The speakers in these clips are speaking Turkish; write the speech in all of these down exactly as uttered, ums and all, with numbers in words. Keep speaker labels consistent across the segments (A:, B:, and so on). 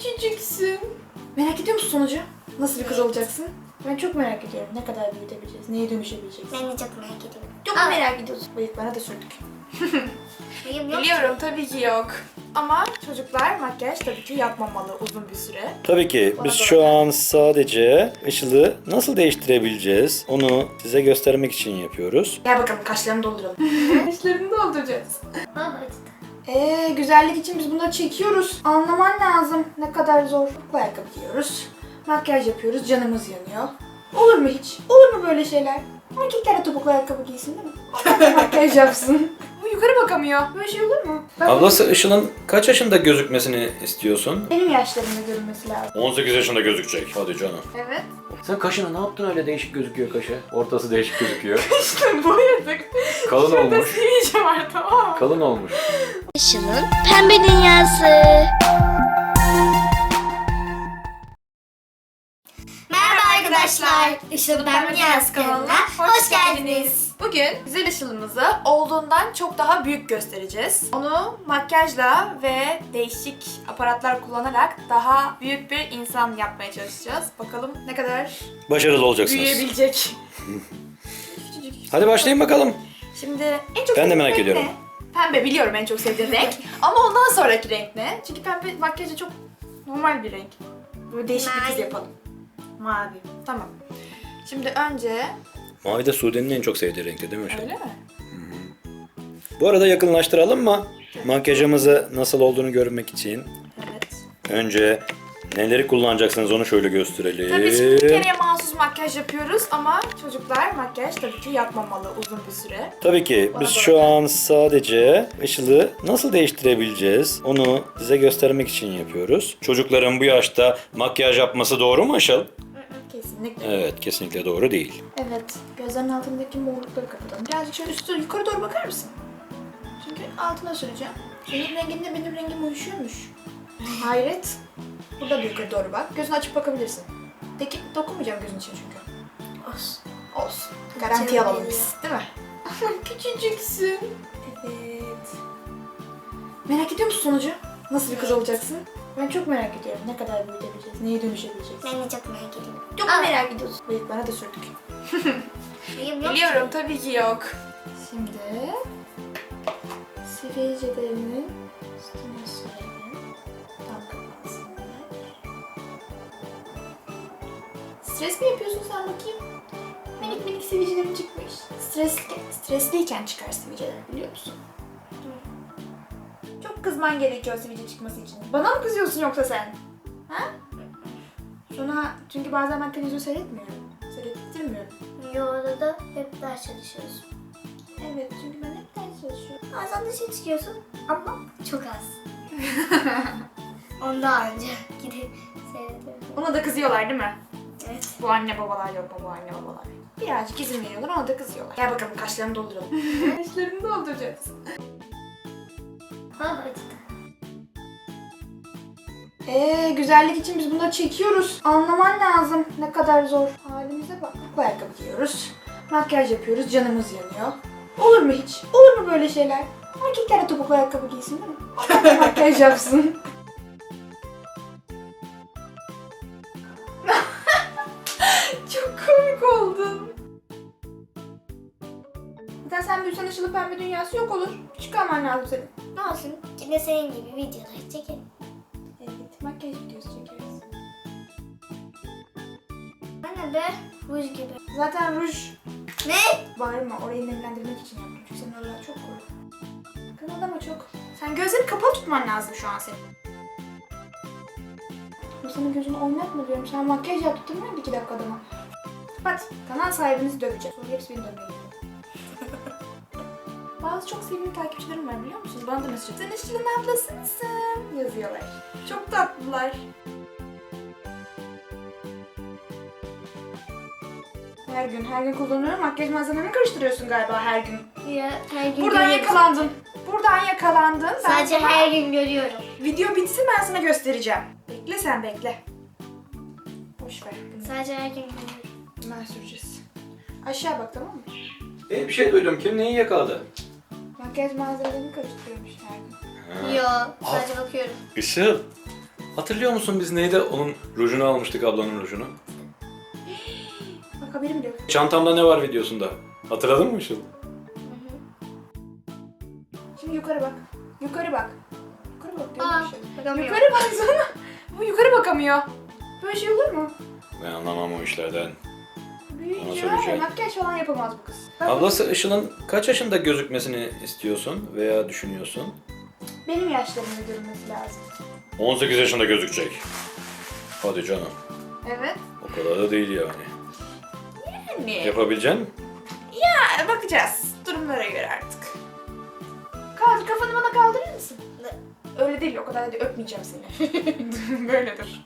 A: küçücüksün. Merak ediyor musun sonucu? Nasıl bir kız olacaksın? Ben çok merak ediyorum. Ne kadar büyütebileceğiz? Neye dönüşebileceğiz?
B: Ben de çok merak ediyorum.
A: Çok
B: Aa.
A: merak ediyorsun. Bıyıklara da sürdük.
B: Benim yok.
A: Biliyorum tabii ki yok. Ama çocuklar makyaj tabii ki yapmamalı uzun bir süre.
C: Tabii ki
A: Bana
C: biz
A: da
C: şu
A: bak.
C: an sadece ışığı nasıl değiştirebileceğiz onu size göstermek için yapıyoruz.
A: Gel bakalım kaşlarını dolduralım. Kaşlarını dolduracağız.
B: Aa, acıdı.
A: Eee güzellik için biz bunları çekiyoruz. Anlaman lazım ne kadar zor. Bu ayakkabı giyiyoruz. Makyaj yapıyoruz. Canımız yanıyor. Olur mu hiç? Olur mu böyle şeyler? Erkekler de topuklu ayakkabı giysin değil mi? Onlar da makyaj yapsın. Bu yukarı bakamıyor. Böyle şey olur mu? Ben
C: Ablası Işıl'ın kaç yaşında gözükmesini istiyorsun?
A: Benim yaşlarımda görünmesi lazım.
C: on sekiz yaşında gözükecek. Hadi canım.
A: Evet.
C: Sen kaşına ne yaptın öyle değişik gözüküyor kaşı? Ortası değişik gözüküyor.
A: İşte boyadık.
C: Kalın
A: Şurada
C: olmuş.
A: sivilce var tamam mı?
C: Kalın olmuş.
B: Işıl'ın pembe dünyası. Merhaba arkadaşlar. Işıl'ın pembe dünyası kanalına hoş geldiniz.
A: Bugün güzel ışılımızı olduğundan çok daha büyük göstereceğiz. Onu makyajla ve değişik aparatlar kullanarak daha büyük bir insan yapmaya çalışacağız. Bakalım ne kadar
C: Başarılı olacaksınız.
A: büyüyebilecek. Küçücük.
C: Hadi başlayın bakalım.
A: Şimdi en çok
C: Ben de
A: sevdiğin
C: merak
A: renk
C: ediyorum.
A: ne? Pembe biliyorum en çok sevdiğin renk. Ama ondan sonraki renk ne? Çünkü pembe makyajı çok normal bir renk. Böyle değişik bir kız
B: Mavi.
A: yapalım. Mavi. Tamam. Şimdi önce...
C: Mavi de Sude'nin en çok sevdiği renkti değil mi Işıl?
A: Öyle mi?
C: Bu arada yakınlaştıralım mı? Makyajımızı nasıl olduğunu görmek için.
A: Evet.
C: Önce neleri kullanacaksınız onu şöyle gösterelim.
A: Tabii biz bir kereye mahsus makyaj yapıyoruz ama çocuklar makyaj tabii ki yapmamalı uzun bir süre.
C: Tabii ki
A: Bana
C: biz
A: da
C: şu
A: bak.
C: an sadece ışığı nasıl değiştirebileceğiz onu size göstermek için yapıyoruz. Çocukların bu yaşta makyaj yapması doğru mu Işıl?
A: Kesinlikle.
C: Evet, kesinlikle doğru değil.
A: Evet. Gözlerinin altındaki morlukları kapatalım. Birazcık şöyle üstü yukarı doğru bakar mısın? Çünkü altına süreceğim. Senin renginle benim rengim uyuşuyormuş. Hayret. Burada da yukarı doğru bak. Gözünü açıp bakabilirsin. Peki dokunmayacağım gözün için çünkü.
B: Olsun.
A: Olsun. Garanti
B: Canım
A: alalım
B: benim.
A: biz. Değil mi? Küçücüksün. Evet. Merak ediyor musun sonucu? Nasıl bir kız
B: Evet.
A: olacaksın? Ben çok merak ediyorum. Ne kadar büyütebileceğiz? Neye dönüşebileceğiz?
B: Ben de çok merak ediyorum.
A: Çok
B: Aa.
A: merak ediyorsun. Bıyıklara da sürdük.
B: Benim yok.
A: Biliyorum tabii ki yok. Şimdi sivilcelerinin üstüne sürelim. Tam kapansınlar. Stres mi yapıyorsun sen bakayım? Minik minik sivilcelerim çıkmış. Stresli, stresliyken çıkar sivilceler biliyor musun? Çok kızman gerekiyor sivilce çıkması için. Bana mı kızıyorsun yoksa sen? Ha? Sonra çünkü bazen ben televizyon seyretmiyorum. Seyrettirmiyorum.
B: Yolda da hep ders çalışıyoruz.
A: Evet çünkü ben hep ders çalışıyorum.
B: Bazen dışarı çıkıyorsun ama çok az. Ondan önce gidip seyrediyorum.
A: Ona da kızıyorlar değil mi?
B: Evet.
A: Bu anne babalar yok mu bu anne babalar? Birazcık izin veriyorlar ona da kızıyorlar. Gel bakalım kaşlarını dolduralım. Kaşlarını dolduracağız.
B: Aa, acıdı.
A: Eee güzellik için biz bunları çekiyoruz. Anlaman lazım ne kadar zor. Halimize bak. Bu ayakkabı giyiyoruz. Makyaj yapıyoruz. Canımız yanıyor. Olur mu hiç? Olur mu böyle şeyler? Erkekler de topuklu ayakkabı giysin değil mi? Onlar da makyaj yapsın. Çok komik oldun. Zaten sen büyüsen ışılı pembe dünyası yok olur. Küçük alman lazım senin.
B: Ne olsun? Yine senin gibi videolar çekelim.
A: Evet, makyaj videosu çekeriz.
B: Bana da ruj gibi.
A: Zaten ruj
B: Ne?
A: bağırma, orayı nemlendirmek için yaptım. Çünkü senin oralar çok kuru. Kımıldama çok. Sen gözleri kapalı tutman lazım şu an senin. Bu senin gözünü oynatma diyorum. Sen makyaj yaptın mı iki dakikada mı? Kapat. Kanal sahibinizi döveceğim. Sonra hepsi beni dövmeye geliyor. Bazı çok sevimli takipçilerim var biliyor musunuz? Bana da mesaj atıyor. Sen Işıl'ın ablası mısın? Yazıyorlar. Çok tatlılar. Her gün, her gün kullanıyorum. Makyaj malzememi karıştırıyorsun galiba her gün.
B: Ya her gün
A: Buradan
B: görüyorum.
A: yakalandın. Buradan yakalandın. Ben
B: Sadece
A: sana-
B: her gün görüyorum.
A: Video bitsin ben sana göstereceğim. Bekle sen bekle. Boş ver. Bunu
B: Sadece her gün görüyorum.
A: hemen süreceğiz. Aşağı bak tamam mı?
C: E, bir şey duydum. Kim neyi yakaladı?
A: Makyaj malzemelerini karıştırıyormuş her gün.
B: Yo, sadece bakıyorum.
C: Işıl. Hatırlıyor musun biz neydi? Onun rujunu almıştık, ablanın rujunu.
A: Bak haberim bile yok.
C: Çantamda ne var videosunda? Hatırladın mı Işıl?
A: Şimdi yukarı bak. Yukarı bak. Yukarı bak diyorum
B: Aa,
A: bir şey.
B: bakamıyorum.
A: Yukarı baksana. Bu yukarı bakamıyor. Böyle şey olur mu?
C: Ben anlamam o işlerden.
A: Büyüyünce var ya,
C: söyleyeceğim.
A: makyaj falan yapamaz bu kız. Bak,
C: Ablası Işıl'ın kaç yaşında gözükmesini istiyorsun veya düşünüyorsun?
A: benim yaşlarımda görünmesi lazım.
C: on sekiz yaşında gözükecek. Hadi canım.
A: Evet.
C: O kadar da değil yani.
A: Yani.
C: Yapabilecek misin?
A: Ya bakacağız. Durumlara göre artık. Kaldır, kafanı bana kaldırır mısın? Öyle değil, o kadar da öpmeyeceğim seni. Böyle dur.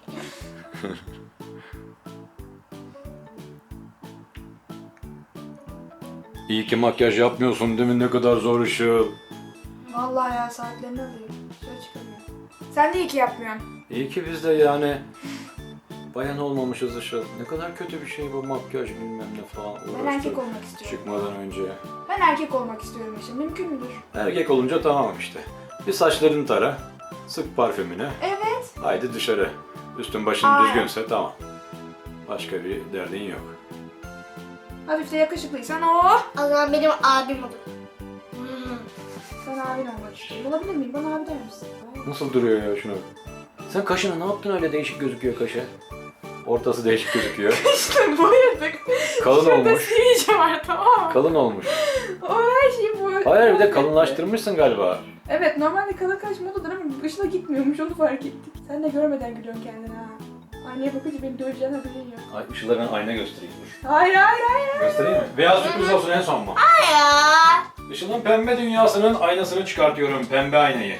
C: İyi ki makyaj yapmıyorsun değil mi? Ne kadar zor Işıl.
A: Vallahi ya saatlerini alıyor. Şöyle çıkamıyor. Sen de iyi ki yapmıyorsun.
C: İyi ki biz de yani bayan olmamışız Işıl. Ne kadar kötü bir şey bu makyaj bilmem ne falan.
A: Ben
C: Uğraştır
A: erkek olmak istiyorum.
C: çıkmadan önce.
A: Ben erkek olmak istiyorum işte. Mümkün müdür?
C: Erkek olunca tamam işte. Bir saçlarını tara, sık parfümünü,
A: Evet.
C: haydi dışarı. Üstün başın
A: Aynen.
C: düzgünse tamam. Başka bir derdin yok.
A: Hafif de yakışıklıysan oh!
B: O zaman benim abim olur.
A: Ben abin olmak istiyorum. Olabilir miyim? Bana abi der misin?
C: Nasıl duruyor ya şuna? Sen kaşına ne yaptın öyle değişik gözüküyor kaşı? Ortası değişik gözüküyor.
A: İşte boyadık.
C: Kalın
A: Şurada
C: olmuş.
A: sivilce var, tamam mı?
C: Kalın olmuş.
A: O her şeyi boyadık.
C: Hayır bir de kalınlaştırmışsın galiba.
A: Evet, normalde kalın kaş modadır ama ışına gitmiyormuş, onu fark ettik. Sen de görmeden gülüyorsun kendine ha. Aynaya bakınca beni döveceğin haberin yok.
C: Ay ışıkla ben ayna göstereyim dur.
A: Hayır hayır hayır.
C: Göstereyim mi? Beyaz sürpriz olsun en son mu?
B: Hayır.
C: Işıl'ın pembe dünyasının aynasını çıkartıyorum. Pembe aynayı.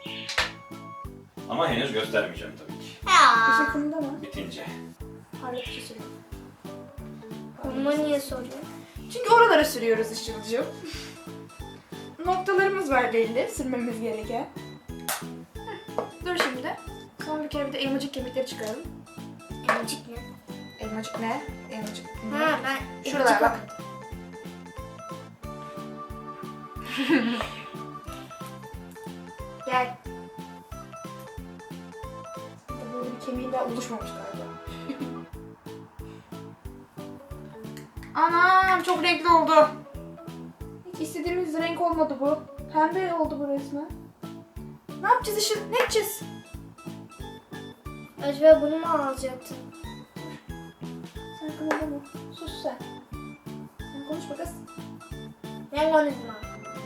C: Ama henüz göstermeyeceğim tabii ki.
B: Ya.
A: Işıkında mı?
C: Bitince.
A: Parlatıcı sürüyor.
B: Bunu niye soruyorsun?
A: Çünkü oralara sürüyoruz Işıl'cığım. Noktalarımız var belli, sürmemiz gereken. Heh, dur şimdi. Son bir kere bir de elmacık kemikleri çıkaralım.
B: Emcik ne?
A: Elmacık ne? Elmacık. ne?
B: Ha ben
A: Şuralar
B: emcik
A: bak. Gel. Böyle bir kemiğin daha oluşmamış galiba. Anam çok renkli oldu. Hiç istediğimiz renk olmadı bu. Pembe oldu bu resmen. Ne yapacağız Işıl? Ne yapacağız?
B: Acaba bunu mu alacaktın?
A: Sen kımıldama. Sus sen. Sen konuşma kız.
B: Ne konuşma?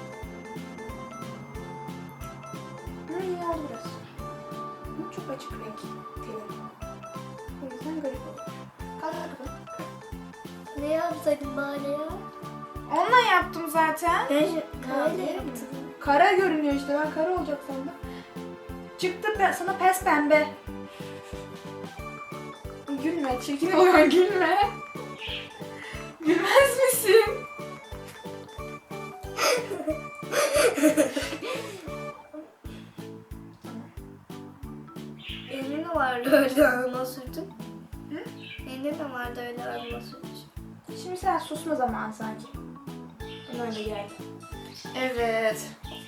A: Hı, iyi oldu biraz. Ama çok açık renk. Teli. O yüzden garip oldu. Kaldır kafanı.
B: Ne yapsaydın bari ya?
A: Onunla yaptım zaten.
B: Ben şu
A: Kara
B: öyle yaptım.
A: Kara görünüyor işte. Ben kara olacak sandım. Çıktı ben sana pes pembe. Gülme. Çirkin oluyor. Gülme. Gülmez misin?
B: Elin mi vardı öyle alma sürdün?
A: Hı?
B: Elin mi vardı öyle alma sürdün?
A: Şimdi sen susma zamanı sanki. Bana öyle geldi. Evet.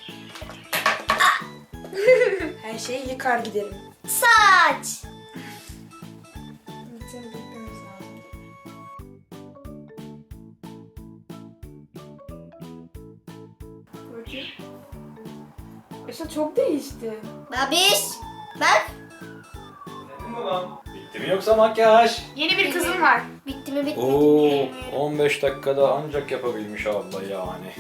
A: Her şeyi yıkar giderim.
B: Saç!
A: Seni beklememiz lazım. Bakayım. İşte çok değişti.
B: Babiş! Bak!
C: Bitti mi yoksa makyaj?
A: Yeni bir kızım var.
B: Bitti mi bitti mi?
C: Oo,
B: bilmiyorum.
C: on beş dakikada ancak yapabilmiş abla yani.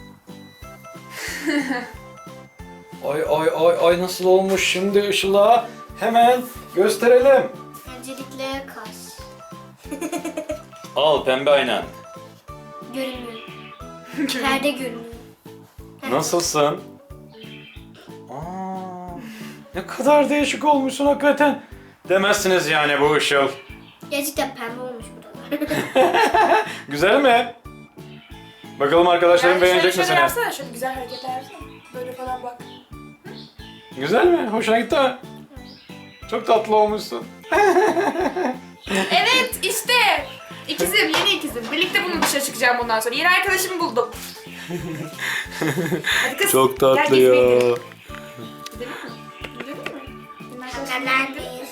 C: Ay ay ay ay nasıl olmuş şimdi Işıl'a? Hemen gösterelim.
B: Öncelikle kaş.
C: Al pembe aynan.
B: Görünmüyor. Perde görünüyor.
C: Nasılsın? Aa, ne kadar değişik olmuşsun hakikaten. Demezsiniz yani bu Işıl.
B: Gerçekten pembe olmuş buralar.
C: Güzel mi? Bakalım arkadaşlarım beğenecek mi
A: şöyle
C: seni?
A: yapsana, şöyle güzel hareketler yapsana. Böyle falan bak.
C: Güzel mi? Hoşuna gitti mi? Çok tatlı olmuşsun.
A: Evet işte. İkizim, yeni ikizim. Birlikte bunu dışarı çıkacağım bundan sonra. Yeni arkadaşımı buldum. Hadi kız.
C: Çok
A: gel
C: tatlı
A: gezmeye
C: ya.
A: gidelim. Gidelim mi? Gidelim mi? Yeni arkadaşımı buldum.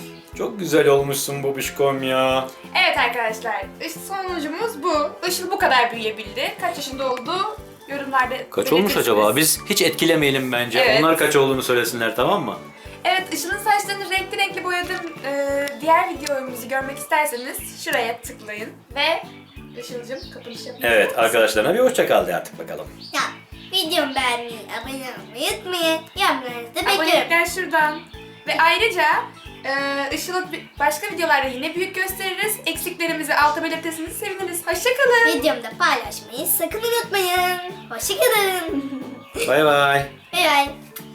C: Çok güzel olmuşsun babişkom ya.
A: Evet arkadaşlar, işte sonucumuz bu. Işıl bu kadar büyüyebildi. Kaç yaşında oldu? Yorumlarda
C: Kaç olmuş
A: belirtirsiniz.
C: acaba? Biz hiç etkilemeyelim bence.
A: Evet.
C: Onlar kaç olduğunu söylesinler, tamam mı?
A: Evet, Işıl'ın saçlarını renkli renkli boyadığım e, diğer videomuzu görmek isterseniz şuraya tıklayın. Ve Işıl'cığım kapanış yapın.
C: Evet, arkadaşlarına bir hoşça kal de artık bakalım.
B: Ya videomu beğenmeyi, abone olmayı unutmayın. Yorumlarınızı da bekliyorum.
A: Abonelikler şuradan. Ve ayrıca e, Işıl'ı bi- başka videolarda yine büyük gösteririz. Eksiklerimizi alta belirtirseniz seviniriz. Hoşçakalın.
B: Videomu da paylaşmayı sakın unutmayın. Hoşçakalın.
C: Bay bay.
B: Bay bay.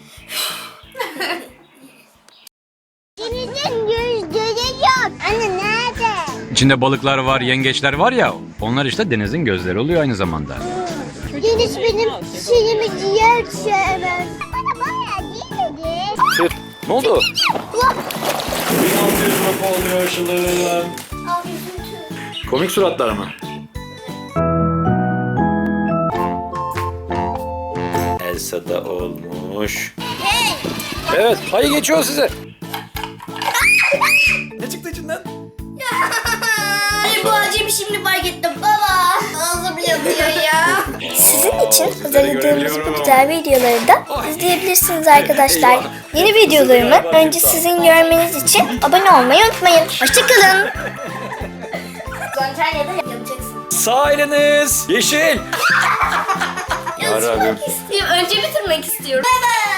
D: Denizin gözleri yok. Anne nerede?
E: İçinde balıklar var, yengeçler var ya, onlar işte denizin gözleri oluyor aynı zamanda.
D: Deniz benim şeyimi ciğer sevmez. Bana bayağı değil dedi.
C: Tüh, ne oldu? bin altı yüz lira oluyor Işıl'ım.
B: Abi üzüntü.
C: Komik suratlar mı? Elsa da olmuş.
B: Hey.
C: Evet, hayır geçiyor size. Ne çıktı içinden?
B: Ay bu acıyı şimdi fark ettim baba. Ağzım yanıyor ya.
F: Sizin için hazırladığımız bu güzel videoları da izleyebilirsiniz arkadaşlar. Yeni videolarımı önce sizin görmeniz için abone olmayı unutmayın. Hoşçakalın.
B: Antalya'da yapacaksın.
C: Sağ eliniz yeşil. Yarabbim.
B: İstiyorum. Önce bitirmek istiyorum. Bye bye.